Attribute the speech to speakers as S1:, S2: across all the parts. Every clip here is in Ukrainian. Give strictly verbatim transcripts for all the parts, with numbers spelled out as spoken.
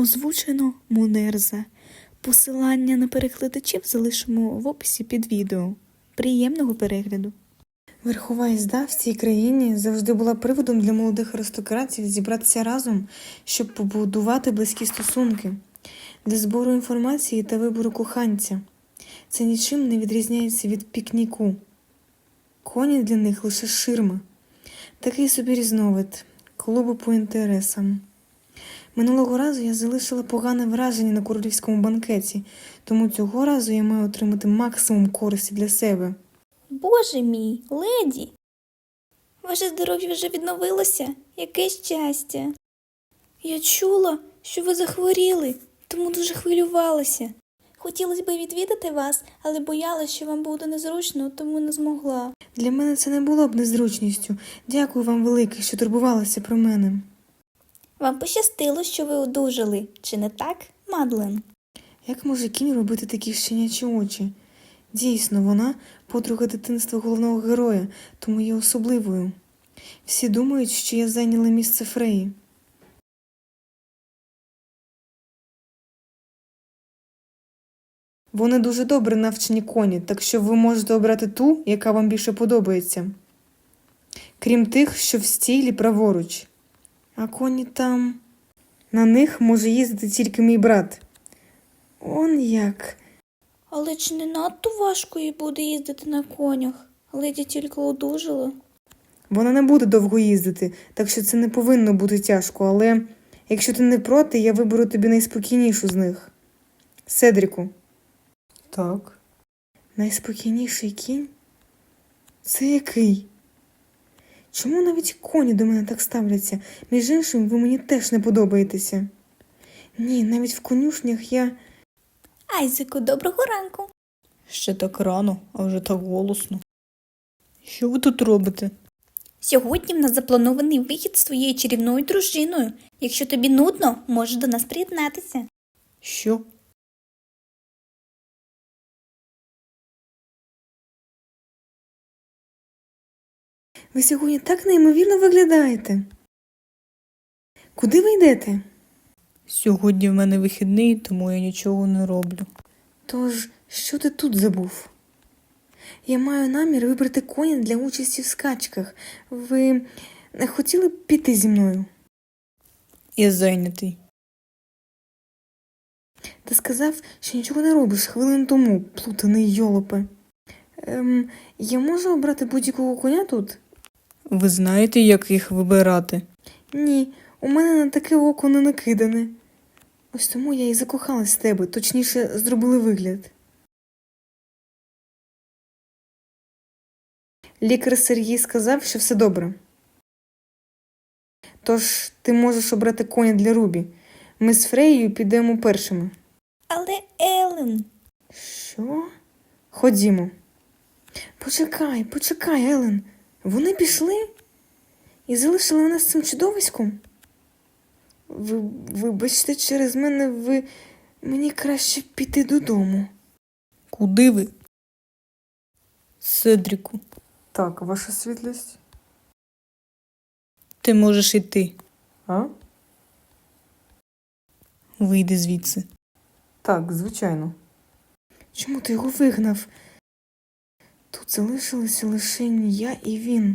S1: Озвучено Мунерза. Посилання на перекладачів залишимо в описі під відео. Приємного перегляду!
S2: Верхова їзда в цій країні завжди була приводом для молодих аристократів зібратися разом, щоб побудувати близькі стосунки, для збору інформації та вибору коханця. Це нічим не відрізняється від пікніку. Коні для них лише ширма. Такий собі різновид, клубу по інтересам. Минулого разу я залишила погане враження на королівському банкеті, тому цього разу я маю отримати максимум користі для себе.
S3: Боже мій, леді! Ваше здоров'я вже відновилося? Яке щастя! Я чула, що ви захворіли, тому дуже хвилювалася. Хотілося б відвідати вас, але боялася, що вам буде незручно, тому не змогла.
S2: Для мене це не було б незручністю. Дякую вам велике, що турбувалися про мене.
S3: Вам пощастило, що ви одужали, чи не так, Мадлен?
S2: Як може кінь робити такі щенячі очі? Дійсно, вона подруга дитинства головного героя, тому є особливою. Всі думають, що я зайняла місце Фреї. Вони дуже добре навчені коні, так що ви можете обрати ту, яка вам більше подобається. Крім тих, що в стілі праворуч. А коні там... На них може їздити тільки мій брат. Он як...
S3: Але чи не надто важко їй буде їздити на конях? Леді тільки одужала.
S2: Вона не буде довго їздити, так що це не повинно бути тяжко, але якщо ти не проти, я виберу тобі найспокійнішу з них. Седріку. Так. Найспокійніший кінь? Це який? Чому навіть коні до мене так ставляться? Між іншим, ви мені теж не подобаєтеся. Ні, навіть в конюшнях я...
S3: Айзеку, доброго ранку.
S4: Ще так рано, а вже так голосно. Що ви тут робите?
S3: Сьогодні в нас запланований вихід з твоєю чарівною дружиною. Якщо тобі нудно, можеш до нас приєднатися.
S4: Що?
S2: Ви сьогодні так неймовірно виглядаєте. Куди ви йдете?
S4: Сьогодні в мене вихідний, тому я нічого не роблю.
S2: Тож, що ти тут забув? Я маю намір вибрати коня для участі в скачках. Ви не хотіли б піти зі мною?
S4: Я зайнятий.
S2: Ти сказав, що нічого не робиш хвилин тому, плутаний йолопе. Ем, я можу обрати будь-якого коня тут?
S4: Ви знаєте, як їх вибирати?
S2: Ні, у мене на таке око не накидане. Ось тому я і закохалась в тебе, точніше, зробили вигляд. Лікар Сергій сказав, що все добре. Тож ти можеш обрати коня для Рубі. Ми з Фреєю підемо першими.
S3: Але Елен...
S2: Що? Ходімо. Почекай, почекай, Елен. Вони пішли? І залишили нас цим чудовиськом? Ви, вибачте, через мене ви... Мені краще піти додому.
S4: Куди ви? Седріку,
S2: Так, ваша світлість.
S4: ти можеш йти.
S2: А?
S4: Вийди звідси.
S2: Так, звичайно. Чому ти його вигнав? Тут залишилися лише я і він.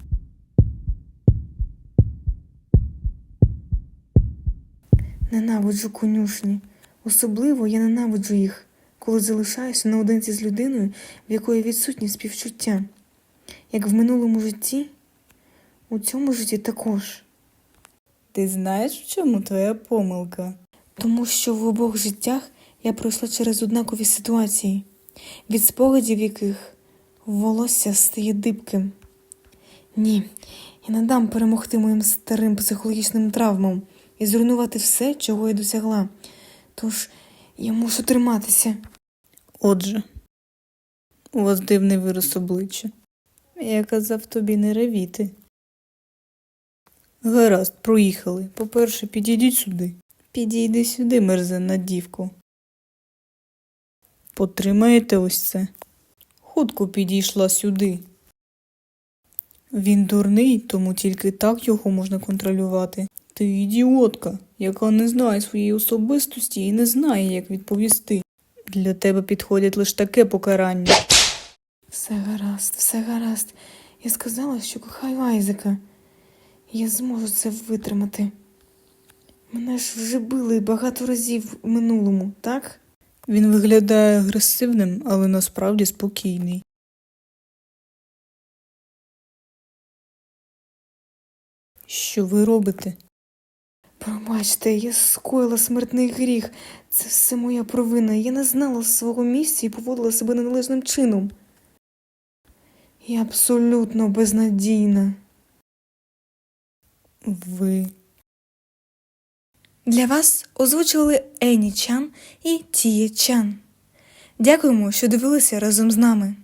S2: Ненавиджу конюшні. Особливо я ненавиджу їх, коли залишаюся наодинці з людиною, в якої відсутні співчуття. Як в минулому житті, у цьому житті також.
S4: Ти знаєш, в чому твоя помилка?
S2: Тому що в обох життях я пройшла через однакові ситуації, від спогадів яких волосся стає дибким. Ні, я не дам перемогти моїм старим психологічним травмам і зруйнувати все, чого я досягла. Тож я мушу триматися.
S4: Отже, у вас дивний вираз обличчя. Я казав тобі не ревіти. Гаразд, проїхали. По-перше, підійдіть сюди. Підійди сюди, мерзенна дівко. Потримаєте ось це. Хутко підійшла сюди. Він дурний, тому тільки так його можна контролювати. Ти ідіотка. яка не знає своєї особистості і не знає, як відповісти. Для тебе підходить лише таке покарання.
S2: Все гаразд, все гаразд. Я сказала, що кохаю Айзека. Я зможу це витримати. Мене ж вже били багато разів в минулому, так?
S4: Він виглядає агресивним, але насправді спокійний. Що ви робите?
S2: Пробачте, я скоїла смертний гріх. Це все моя провина. Я не знала свого місця і поводила себе неналежним чином. Я абсолютно безнадійна.
S4: Ви...
S1: Для вас озвучували Ені Чан і Тіє Чан. Дякуємо, що дивилися разом з нами.